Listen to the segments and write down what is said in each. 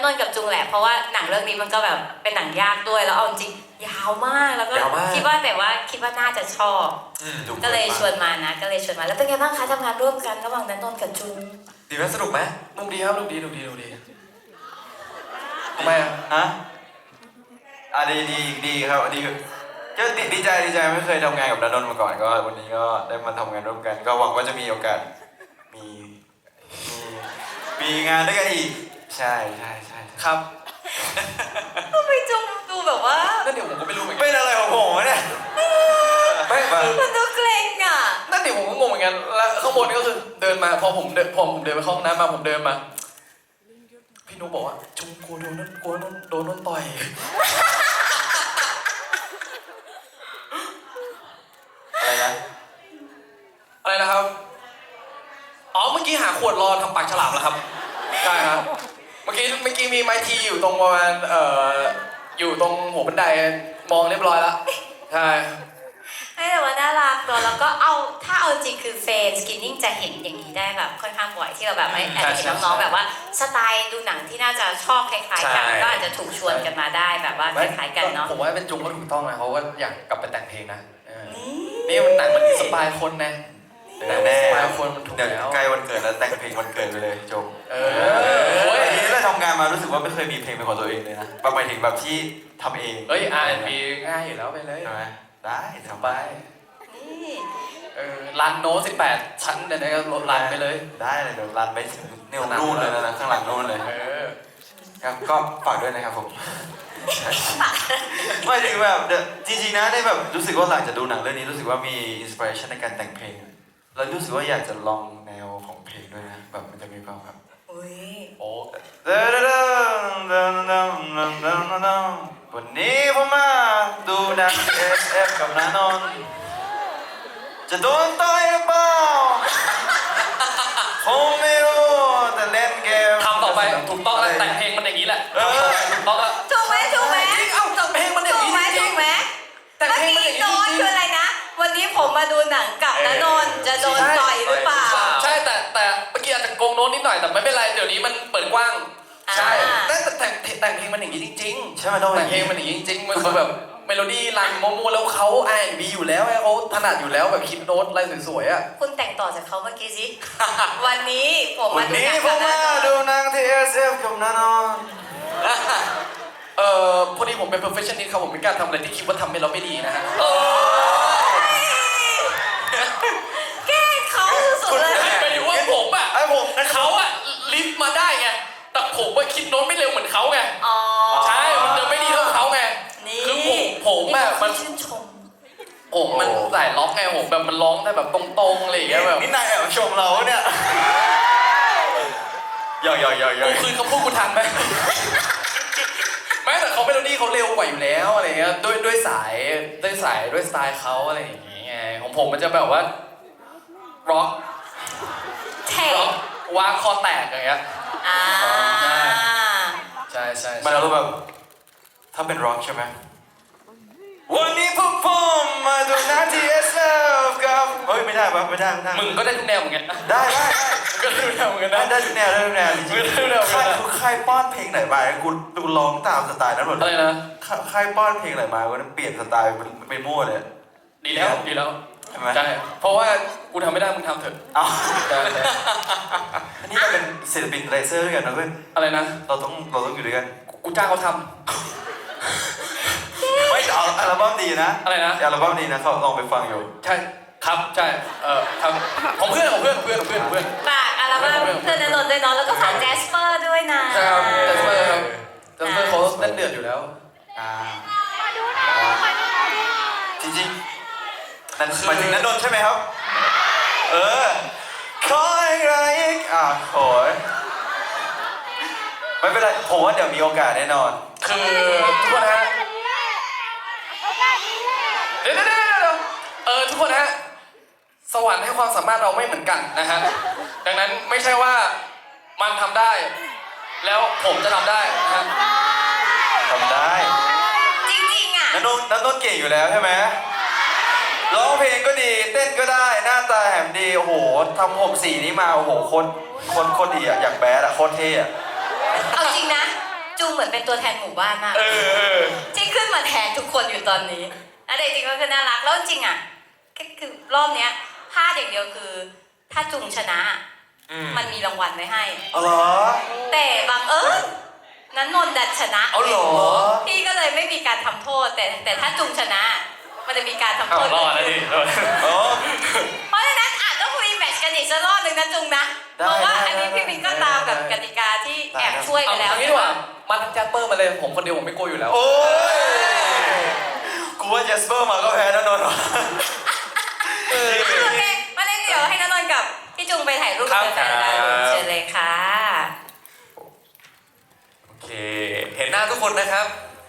นนท์กับจุงแหละเพราะว่าหนังเรื่องนี้มันก็แบบเป็นหนังยากด้วยแล้วเอาจริงยาวมากแล้วก็คิดว่าน่าจะชอบก็เลยชวนมาแล้วเป็นไงบ้างคะทำงานร่วมกันระหว่างณนนท์กับจุงดีไหมสนุกไหมนุกดีครับนุกดีทำไมฮะดีครับดีก็ดีใจไม่เคยทำงานกับณนนท์มาก่อนก็วันนี้ก็ได้มาทำงานร่วมกันก็หวังว่าจะมีโอกาสมีงานด้วยกันอีกใช่ครับทำไมจุงดูแบบว่านั่นเดี๋ยวผมก็ไม่รู้เหมือนกันเป็นอะไรของผมเนี่ยไม่มันดูเกรงอ่ะนั่นเดี๋ยวผมก็งงเหมือนกันแล้วข้างบนนี่ก็คือเดินมาพอผมเดินไปเข้าห้องน้ำมาผมเดินมาพี่นุ๊กบอกว่าจุงกลัวโดนนั่นต่อยอะไรนะครับอ๋อเมื่อกี้หาขวดรอทำปากฉลามแล้วครับใช่ครับเมื่อกี้มีไม้ทีอยู่ตรงประมาณอยู่ตรงหัวบันไดมองเรียบร้อยแล้วใช่แต่ว่าน่ารักเนอะแล้วก็ถ้าเอาจริงคือเฟนสกินนิ่งจะเห็นอย่างนี้ได้แบบค่อนข้างบ่อยที่เราแบบไม่แอบเห็นน้องๆแบบว่าสไตล์ดูหนังที่น่าจะชอบคล้ายๆกันก็อาจจะถูกชวนกันมาได้แบบว่าคล้ายๆกันเนาะผมว่าเป็นจุงก็ถูกต้องนะเขาก็อยากกลับไปแต่งเพลงนะนี่มันหนังมันอินสปายคนนะแน่คนมันถูกแล้วใกล้วันเกิดแล้วแต่งเพลงวันเกิดไปเลยจบอันนี้เราทำงานมารู้สึกว่าไม่เคยมีเพลงเป็นของตัวเองเลยนะหมายถึงแบบที่ทำเอง R&B ง่ายอยู่แล้วไปเลยได้ทำไปรันโน้ต18ชั้นเดี๋ยวนี้ก็รันไปเลยได้เลยเดี๋ยวรันไปถึงเนี่ยนู่นเลยนะข้างหลังนู่นเลยครับก็ฝากด้วยนะครับผมไม่ถึงแบบจริงๆนะได้แบบรู้สึกว่าหลังจากดูหนังเรื่องนี้รู้สึกว่ามีอินสปิเรชันในการแต่งเพลงแล้วรู้สึกว่าอยากจะลองแนวของเพลงด้วยนะแบบมันจะมีความแบบวันนี้ผมมาดูหนัง SF กับณนนท์จะโดนต่อยหรือเปล่าผมไม่รู้แต่เล่นเกมทำต่อไปถูกต้องแล้วแต่งเพลงมันอย่างนี้แหละถูกต้องแล้วถูกไหมจริงแต่งเพลงมันอย่างนี้จริงไหมแต่งเพลงมันอย่างนี้โน้ตคืออะไรนะวันนี้ผมมาดูหนังกับณนนท์จะโดนต่อยหรือเปล่าใช่แต่เมื่อกี้อาจจะโกงโน้ตนิดหน่อยแต่ไม่เป็นไรเดี๋ยวนี้มันเปิดกว้างใช่แต่งเพลงมันอย่างนี้จริงๆใช่ไหมต้องแต่งเพลงมันอย่างนี้จริงๆมันแบบเมโลดี้รันโมแล้วเขา R&B อยู่แล้วเขาถนัดอยู่แล้วแบบคิดโน้ตอะไรสวยๆอ่ะคุณแต่งต่อจากเขาเมื่อกี้สิวันนี้ผมมาดูหนังที่ SF กับณนนท์พอดีผมเป็น perfectionist ครับผมไม่กล้าทำอะไรที่คิดว่าทำไปแล้วไม่ดีนะฮะแกล้งเขาสุดเลยไปดูว่าผมอ่ะเขาอ่ะลิฟต์มาได้ไงแต่ผมว่าคิดโน้ตไม่เร็วเหมือนเขาไงใช่มันจะไม่ดีเท่าเขาไงคือผมแบบมันชื่นชมมันสายล็อกไงผมแบบมันร้องได้แบบตรงๆอะไรอย่างเงี้ยแบบนี่นายแอบชมเราเนี่ยกูคืนคำพูดกูทันไหมแม้แต่เขาเมโลดี้เขาเร็วกว่าอยู่แล้วอะไรเงี้ยด้วยสายด้วยสไตล์เขาอะไรอย่างเงี้ยของผมมันจะแบบว่าร็อกวางคอแตกอย่างเงี้ยใช่มันเราแบบถ้าเป็นร็อกใช่ไหมวันนี้พวกผมมาดูหนังที่ SF กับไม่ได้มึงก็ได้ทุกแนวเหมือนกันได้ก็ได้ทุกแนวเหมือนกันนะได้ทุกแนวจริงๆใครป้อนเพลงไหนมากูร้องตามสไตล์นั้นหมดอะไรนะใครป้อนเพลงไหนมาก็เปลี่ยนสไตล์ไปมั่วเลยดีแล้วใช่เพราะว่ากูทำไม่ได้มึงทำเถอะนี่เราเป็นศิลปินไรเซอร์ด้วยกันนะเพื่อนอะไรนะเราต้องอยู่ด้วยกันกูจ้างเขาทำไม่เอาอัลบั้มดีนะอะไรนะอัลบั้มดีนะเขาลองไปฟังอยู่ใช่ครับใช่ทำของเพื่อนฝากอัลบั้มเพื่อนณนนท์ด้วยเนาะแล้วก็ฝากแจสเปอร์ด้วยนะใช่ครับแจสเปอร์เขาเล่นเดือดอยู่แล้วจริงๆนั่นหมายถึงณนนท์ใช่ไหมครับขออะไรอีกโอ้ยไม่เป็นไรผมว่าเดี๋ยวมีโอกาสแน่นอนคือทุกคนฮะเดี๋ยวทุกคนฮะสวรรค์ให้ความสามารถเราไม่เหมือนกันนะฮะดังนั้นไม่ใช่ว่ามันทำได้แล้วผมจะทำได้นะฮะทำได้จริงๆอ่ะณนนท์เก่งอยู่แล้วใช่ไหมร้องเพลงก็ดีเต้นก็ได้หน้าตาแหมดีโอ้โหทำผมสีนี้มาโอ้โหคนดีอ่ะอยากแบดอ่ะโคตรเท่เอาจริงนะจูเหมือนเป็นตัวแทนหมู่บ้านมาก ที่ขึ้นมาแทนทุกคนอยู่ตอนนี้แล้วจริงๆก็คือน่ารักแล้วจริงๆอ่ะก็คือรอบเนี้ยพลาดอย่างเดียวคือ ถ้าจุงชนะ มันมีรางวัลไว้ให้อ๋อเหรอแต่บังเอิญนั้นนนท์ดันชนะเอาเหรอพี่ก็เลยไม่มีการทำโทษ แต่ถ้าจุงชนะ มันจะมีการทำโทษรอดแล้วดิอ๋อเพราะฉะนั้นอาจต้องรีแมตช์กันอีกสักรอบหนึ่งนะจุงนะเพราะว่าอันนี้พี่มินก็ตามกับกติกาที่แอบช่วยไปเอาแล้วงี้ดีกว่ามาทั้งแจ็คเปอร์มาเลยผมคนเดียวผมไม่กลัวอยู่แล้วโอ้ยกูว่าเจสเปอร์มาก็แพ้แน่นอนวะโอเคมาเล่นเดี๋ยวให้นนท์กับพี่จุงไปถ่ายรูปกับแฟนๆได้เชิญเลยค่ะโอเค เห็นหน้าทุกคนนะครับ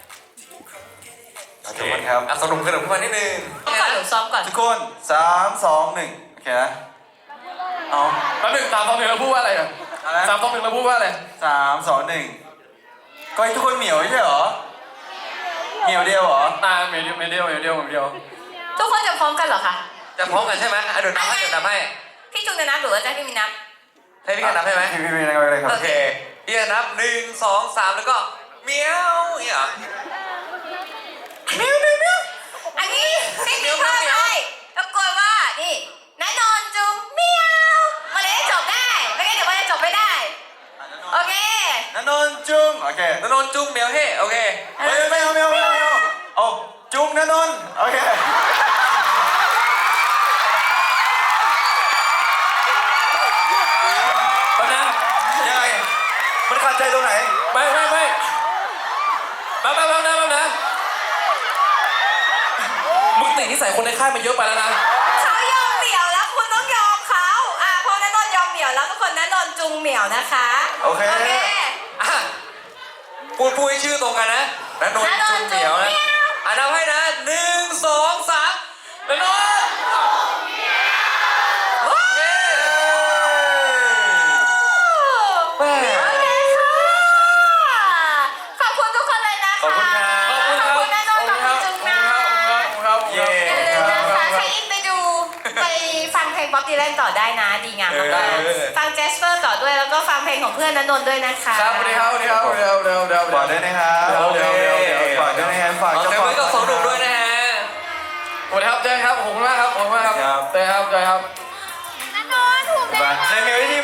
ขอบคุณครับสนุกขึ้นมานิดนึงก่อนหนูซ้อมก่อนทุกคน3 2 1โอเคนะเอาแป๊บหนึง3 2 1แล้วพูดว่าอะไรอ่ะอะไร 3 2 1แล้วพูดว่าอะไร 3 2 1ก็ให้ทุกคนเหมียวไม่ใช่เหรอเหมียวเดียวเหรอเมเดียวทุกคนจะพร้อมกันเหรอคะจะพร้อมกันใช่ไหมเดี๋ยวนับให้พี่จุงจะนับหรือว่าจะให้พี่มินนับให้พี่กันนับให้ไหมพี่นับไปเลยครับโอเคพี่กันนับ1 2 3แล้วก็เมียวอย่างเงี้ยเหรออันนี้พี่มินเพิ่มให้ตะโกนว่านี่นายนนท์จุงเมียวมาเลยให้จบได้ไม่งั้นเดี๋ยวมันจะจบไม่ได้โอเคนันนนจุ้งโอเคนนท์จุ้งเมียวเฮ้โอเคไม่เอาเอาจุ้งนันนนโอเคตอนนะยังไงมันขาดใจตรงไหนไม่แป๊บนะมึงติดนิสัยคนในค่ายมาเยอะไปแล้วนะเขายอมเหมียวแล้วคุณต้องยอมเขาพอนันนนท์ยอมเหมียวแล้วทุกคนนันนนท์จุงเหมียวนะคะโอเคอ่ะพูดให้ชื่อตรงกันนะนันนท์จุ้งเหมียวนะนับให้นะ1 2 3นันนท์โอเคแม่โอเคค่ะขอบคุณทุกคนเลยนะคะขอบคุณครับขอบคุณนันนนท์ขอบคุณจุงนะเย้อย่าลืมนะคะใครอินไปดูไปฟังเพลงบ๊อบดีแลนต่อได้นะดีงามมากๆฟังแจสเปอร์ต่อด้วยแล้วก็ฟังเพลงของเพื่อนนันนนท์ด้วยนะคะครับสวัสดีครับเดี๋ยวฝากด้วยนะครับฝากด้วยนะครับฝากขอเจ้าเซฟของไว้กับสองหนุ่มด้วยนะฮะสวัสดีครับเจอครับขอบคุณมากครับขอบคุณมากครับเจอครับในเมลที่